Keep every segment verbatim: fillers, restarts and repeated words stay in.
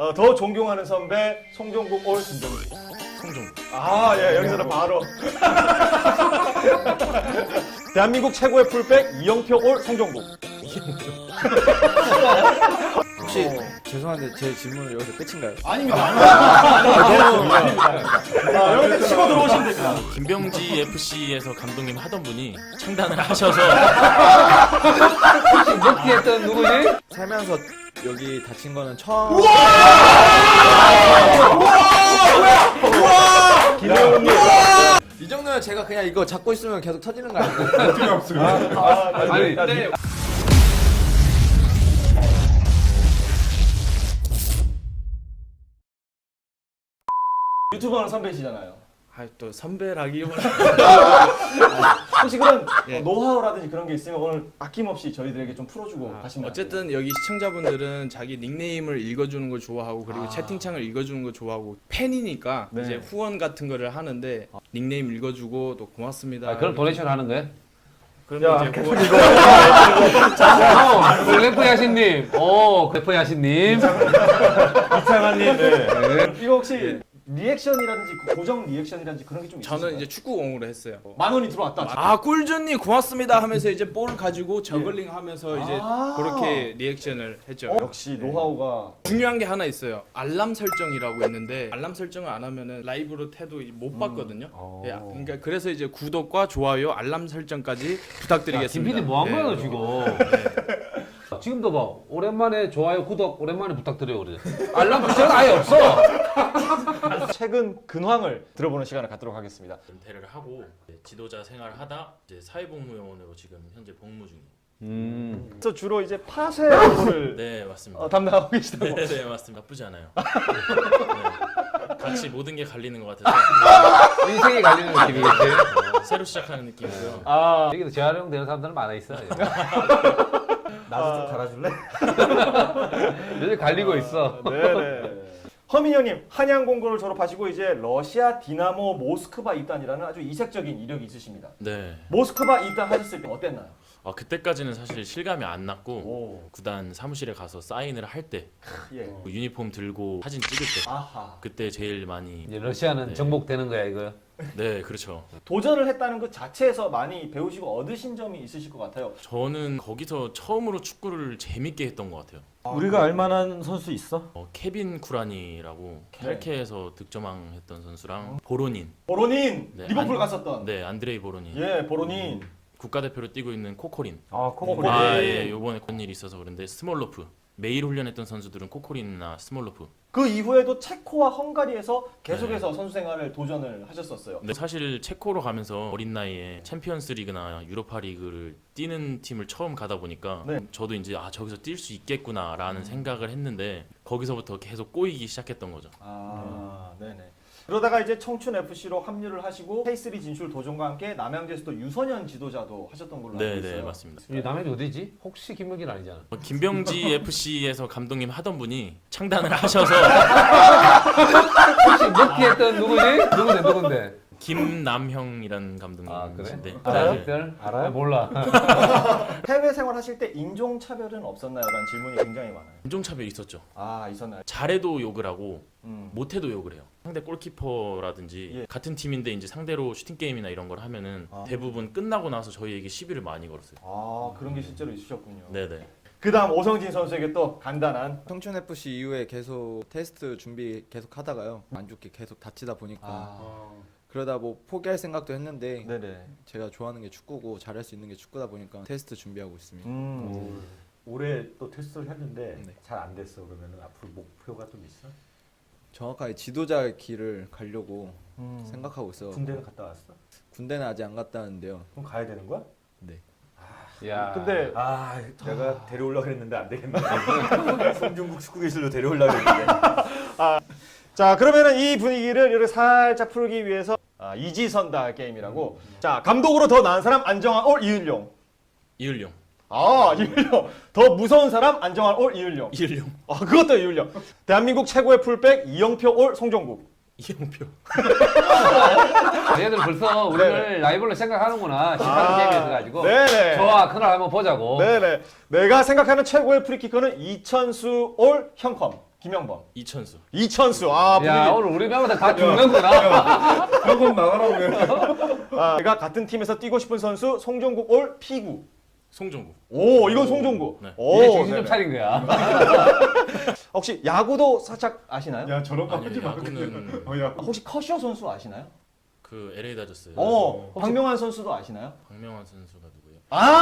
어, 더 존경하는 선배 송종국 올 김정국. 송종국. 아, 예, 여기서는 바로. 대한민국 최고의 풀백 이영표 올 송종국. 혹시 죄송한데 제 질문은 여기서 끝인가요? 아닙니다. 아닙니다. 아, 여기서 치고 들어오시면 됩니다. 김병지 에프씨에서 감독님 하던 분이 창단을 하셔서 혹시 먹기 했던 누구지? 살면서 여기 다친 거는 처음. 김혜원님. 이 정도면 제가 그냥 이거 잡고 있으면 계속 터지는 거 아닌가요? 아, 아니, 네. 유튜버는 선배시잖아요. 아, 또 선배라기보다 혹시 그런 예. 어, 노하우라든지 그런 게 있으면 오늘 아낌없이 저희들에게 좀 풀어주고 아, 가시면 어쨌든 여기 시청자분들은 자기 닉네임을 읽어주는 걸 좋아하고 그리고 아. 채팅창을 읽어주는 걸 좋아하고 팬이니까 네. 이제 후원 같은 거를 하는데 닉네임 읽어주고 또 고맙습니다. 아, 그럼 도네이션 하는 거예요? 그러면 야, 이제 후원 어, 래프 야신님, 오, 래프 야신님. 이창환님. 네. 이거 혹시 예. 리액션이라든지 그 고정 리액션이라든지 그런 게 좀 있으신가요? 저는 이제 축구공으로 했어요. 만 원이 들어왔다. 아 꿀준님 고맙습니다 하면서 이제 볼 가지고 저글링 하면서 이제 아. 그렇게 리액션을 했죠. 어, 역시 노하우가 중요한 게 하나 있어요. 알람 설정이라고 있는데 알람 설정을 안 하면은 라이브로 태도 못 봤거든요. 어. 예, 그러니까 그래서 이제 구독과 좋아요, 알람 설정까지 부탁드리겠습니다. 김 피디 뭐 한 거야, 네. 지금? 지금도 봐. 오랜만에 좋아요, 구독, 오랜만에 부탁드려요, 그래. 알람 설정 아예 없어. 최근 근황을 들어보는 시간을 갖도록 하겠습니다. 은퇴를 하고 지도자 생활을 하다 이제 사회복무요원으로 지금 현재 복무 중이에요. 음. 그래서 주로 이제 파쇄 업무를 네 맞습니다. 어, 담당하고 계시다고. 네, 네 맞습니다. 나쁘지 않아요. 네. 같이 모든 게 갈리는 것 같아서 인생이 갈리는 느낌이겠지. 어, 새로 시작하는 느낌이고요. 아, 여기도 재활용되는 사람들은 많아 있어. 나도 좀 달아줄래? 요즘 갈리고 있어. 네네. 허민 형님 한양 공고를 졸업하시고 이제 러시아 디나모 모스크바 입단이라는 아주 이색적인 이력이 있으십니다. 네. 모스크바 입단하셨을 때 어땠나요? 아 그때까지는 사실 실감이 안 났고 오, 구단 사무실에 가서 사인을 할 때 예. 유니폼 들고 사진 찍을 때 아하. 그때 제일 많이 이제 러시아는 네. 정복되는 거야, 이거. 네 그렇죠. 도전을 했다는 것 자체에서 많이 배우시고 얻으신 점이 있으실 것 같아요. 저는 거기서 처음으로 축구를 재밌게 했던 것 같아요. 우리가 알만한 선수 있어? 어, 케빈 쿠라니라고 네. 헬케에서 득점왕 했던 선수랑 보로닌, 보로닌 네, 리버풀 안- 갔었던. 네 안드레이 보로닌, 예, 보로닌. 국가대표로 뛰고 있는 코코린. 아, 코코린. 아, 네. 예, 요번에 그런 일이 있어서 그런데 스몰로프. 매일 훈련했던 선수들은 코코린이나 스몰로프. 그 이후에도 체코와 헝가리에서 계속해서 네. 선수 생활을 도전을 하셨었어요. 근데 사실 체코로 가면서 어린 나이에 챔피언스 리그나 유로파 리그를 뛰는 팀을 처음 가다 보니까 네. 저도 이제 아 저기서 뛸 수 있겠구나라는 생각을 했는데 거기서부터 계속 꼬이기 시작했던 거죠. 아, 네네. 그러다가 이제 청춘 에프씨로 합류를 하시고 케이쓰리 진출 도전과 함께 남양주에서 또 유소년 지도자도 하셨던 걸로 알고 네, 있어요. 네, 맞습니다. 이 남해이 어디지? 혹시 김명길 아니잖아. 어, 김병지 에프씨에서 감독님 하던 분이 창단을 하셔서 혹시 먹기 했던 누구지? 누군데, 누군데? 김남형이라는 아, 그래? 감독님이신데 알아요? 네. 별? 알아요? 몰라. 해외 생활 하실 때 인종 차별은 없었나요? 라는 질문이 굉장히 많아요. 인종차별이 있었죠. 아, 있었나요? 잘해도 욕을 하고 음. 못해도 욕을 해요. 상대 골키퍼라든지 예. 같은 팀인데 이제 상대로 슈팅 게임이나 이런 걸 하면은 아. 대부분 끝나고 나서 저희에게 시비를 많이 걸었어요. 아, 그런 게 실제로 있으셨군요. 네네. 그다음 오성진 선수에게 또 간단한 청춘 에프씨 이후에 계속 테스트 준비 계속 하다가요. 안 좋게 계속 다치다 보니까 아, 그러다 뭐 포기할 생각도 했는데 네네. 제가 좋아하는 게 축구고 잘할 수 있는 게 축구다 보니까 테스트 준비하고 있습니다. 음. 올해 또 테스트를 했는데 네. 잘 안 됐어. 그러면 앞으로 목표가 좀 있어? 정확하게 지도자 길을 가려고 음. 생각하고 있어. 군대는 갔다 왔어? 군대는 아직 안 갔다 왔는데요. 그럼 가야 되는 거야? 네. 야. 근데 아, 내가 데려오려고 했는데 안 되겠네. 송중국 축구 기술로 데려오려고 했는데. 자, 그러면은 이 분위기를 이렇게 살짝 풀기 위해서 아, 이지선다 게임이라고. 자, 감독으로 더 나은 사람 안정환 올 이을용. 이을용. 아, 이을용. 더 무서운 사람 안정환 올 이을용. 이을용. 아, 그것도 이을용. 대한민국 최고의 풀백 이영표 올 송종국. 이영표. 얘들 벌써 우리를 라이벌로 생각하는구나. 십팔 게임에서 가지고. 네네. 좋아, 그날 한번 보자고. 네네. 내가 생각하는 최고의 프리키커는 이천수 올 형컴. 김영범. 이천수. 이천수. 아, 분위기. 야 오늘 우리 명마다 다 죽는구나. 한번 나가라고. 아, 제가 같은 팀에서 뛰고 싶은 선수 송종국 올 피구. 송종구. 오, 이건 송종국. 네. 오, 이게 정신 좀 네네. 차린 거야. 혹시 야구도 살짝 아시나요? 야 저런 거 아니요, 하지 마. 야구는- 어, 야. 혹시 커쇼 선수 아시나요? 그 엘에이 다저스. 어, 박명환 선수도 아시나요? 박명환 선수가 누구예요?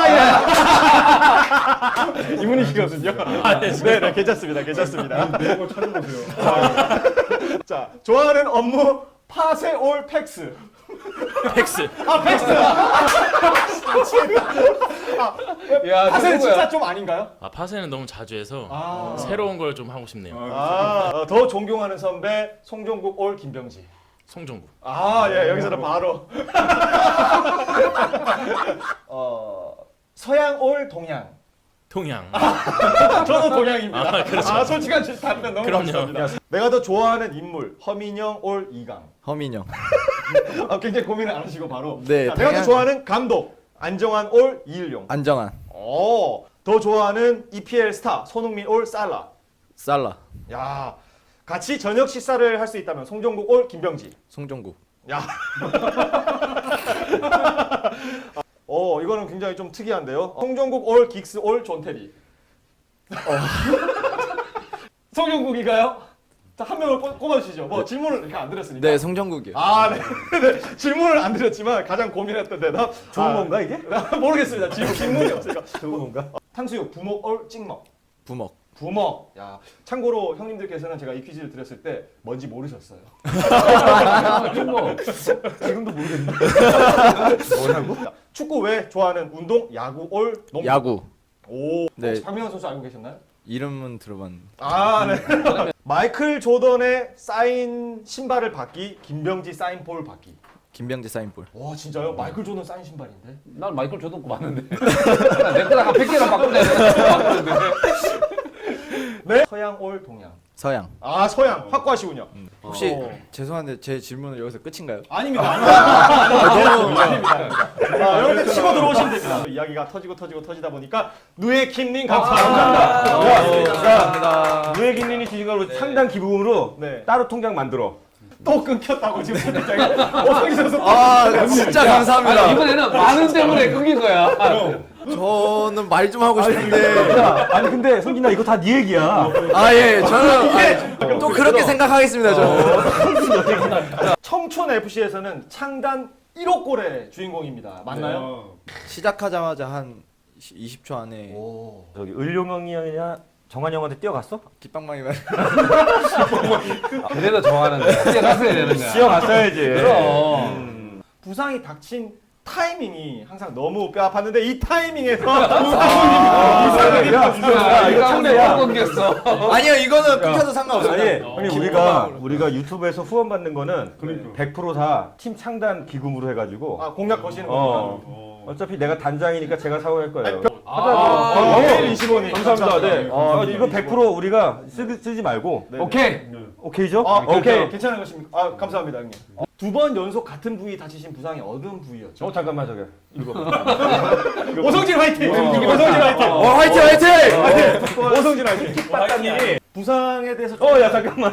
아, 예. 이분이시거든요. 네, 네, 괜찮습니다. 괜찮습니다. 내거 찾아보세요. 자, 좋아하는 업무 파세 올 팩스. 팩스. 아, 팩스. 야 파세는 누구야? 진짜 좀 아닌가요? 아 파세는 너무 자주 해서 아. 새로운 걸 좀 하고 싶네요. 아, 어, 더 존경하는 선배 송종국 올 김병지. 송종구. 아, 예, 여기서는 바로. 어, 서양 올 동양. 통양. 저도 동양입니다. 아, 그렇죠. 아, 솔직한 답변 너무 그럼요. 감사합니다. 내가 더 좋아하는 인물 허민영 올 이강. 허민영. 아, 굉장히 고민을 안 하시고 바로. 네, 자, 내가 더 당연- 좋아하는 감독 안정환 올 이일용. 안정환. 오, 더 좋아하는 이피엘 스타 손흥민 올 살라. 살라. 야, 같이 저녁 식사를 할 수 있다면 송종국 올 김병지. 송종국. 야. 어, 이거는 굉장히 좀 특이한데요. 송종국 올 긱스 올 존테리. 송종국이가요? 자, 한 명을 꼽- 꼽아주시죠. 뭐 질문을 이렇게 안 드렸으니까. 네, 송종국이요. 아, 네. 네. 질문을 안 드렸지만 가장 고민했던 대답. 좋은 아, 건가 이게? 모르겠습니다. 질문 질문이 없으니까. 좋은 건가? 탕수육 부먹 올 찍먹. 부먹. 부먹. 야, 참고로 형님들께서는 제가 이 퀴즈를 드렸을 때 뭔지 모르셨어요. 뭐 지금도 모르겠네. 뭐라고? 자, 축구 외 좋아하는 운동 야구 올 농구. 야구. 오. 네. 혹시 박명환 선수 알고 계셨나요? 이름은 들어봤는데. 아, 네. 마이클 조던의 사인 신발을 받기, 김병지 사인 볼 받기. 김병지 사인볼. 와, 진짜요? 마이클 조던 사인 신발인데? 난 마이클 조던 거 봤는데. 내 거랑 한 백 개랑 바꾸자. 바꾸는데. 네. 서양 올 동양. 서양. 아, 서양. 확고하시군요. 혹시 어. 죄송한데 제 질문은 여기서 끝인가요? 아닙니다. 아닙니다. 아닙니다. 아, 여러분들 치고 들어오시면 됩니다. 이야기가 터지고 터지고 터지다 보니까 누에 김님 감사합니다. 자, 누에 김님이 주신 걸로 상당 기부금으로 네. 따로 통장 만들어. 또 끊겼다고 지금 선생님이 오성희 선수. 아, 진짜 감사합니다. 아니, 이번에는 많은 때문에 끊긴 거야. 저는 말 좀 하고 싶은데. 야, 아니 근데 성진아 이거 다 네 얘기야. 아, 예. 저는 아니, 또 그렇게 생각하겠습니다, 저는. 청촌 에프씨에서는 창단 일 호 골의 주인공입니다. 맞나요? 시작하자마자 한 이십 초 안에 오. 저기 을룡형이냐 정한 형한테 뛰어갔어? 깃방망이 말. 그래도 좋아하는 거야. 뛰어갔어야 되는 거야. 뛰어갔어야지. 그럼. 부상이 닥친 타이밍이 항상 너무 뼈 아팠는데 이 타이밍에서 야, 야, 이거 한번 야. 끊겼어. 아니요, 이거는 끊겨도 상관없어요. 아니, 아니 기부 우리가 방법으로. 우리가 유튜브에서 후원 받는 거는 그러니까. 백 퍼센트 다 팀 창단 기금으로 해가지고 아, 공약 거시는 겁니까? 어. 어차피 내가 단장이니까 제가 사용할 거예요. 아, 어, 네, 이십오 님. 감사합니다. 네. 어, 네. 이거 백 퍼센트 우리가 쓰, 쓰지 말고 네. 오케이. 오케이죠? 아, 오케이. 오케이. 괜찮은 것입니까? 아, 감사합니다, 형님. 두 번 연속 같은 부위 다치신 부상이 어느 부위였죠? 어 잠깐만 저기 이거 오성진 화이팅! 오성진 화이팅! 어, 화이팅, 화이팅! 오성진 화이팅! 박사님이 부상에 대해서 어 야 잠깐만.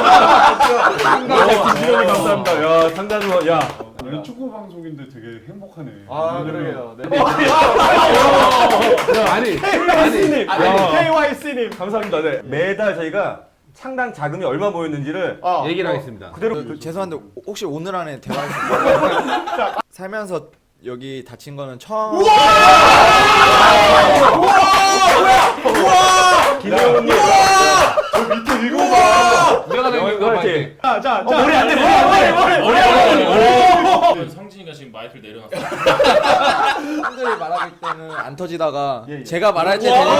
김지현이 감사합니다. 야 상단으로 야. 아니, 축구 방송인데 되게 행복하네. 아, 그러게요. 네. 아니, 케이와이씨님! 야. 케이와이씨님! 감사합니다. 네. 매달 저희가 창단 자금이 얼마 모였는지를 아, 얘기를 하겠습니다. 그대로 그, 죄송한데 혹시 오늘 안에 대화할 수 있어요? 살면서 여기 다친 거는 처음. 김혜원님 내가 내는 거 화이팅. 자, 자, 어, 자. 머리 안 돼, 머리 머리, 머리, 머리, 머리. 성진이가 지금 마이크를 내려놨어. 사람들이 말할 때는 안 터지다가 예, 예. 제가 말할 때 되니까.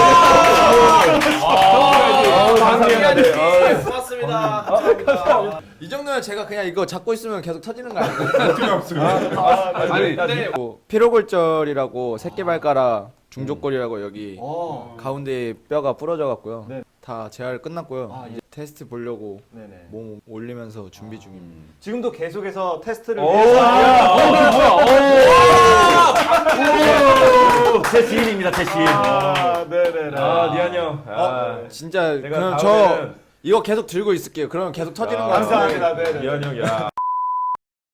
고맙습니다. 이 정도면 제가 그냥 이거 잡고 있으면 계속 터지는 거 아닌가요? 아니, 뭐 피로골절이라고 새끼발가락 중족골이라고 여기 어. 가운데 뼈가 부러져 갖고요. 네. 다 재활 끝났고요. 아, 이제 테스트 보려고 네네. 몸 올리면서 준비 중입니다. 지금도 계속해서 테스트를 오, 위해서 제 지인입니다, 제 지인. 아, 네네네. 아, 니한 형. 아, 진짜 내가 그럼 저 다음에는 이거 계속 들고 있을게요. 그러면 계속 터지는 야, 거 같아요. 감사합니다. 네, 네. 이한 형, 야.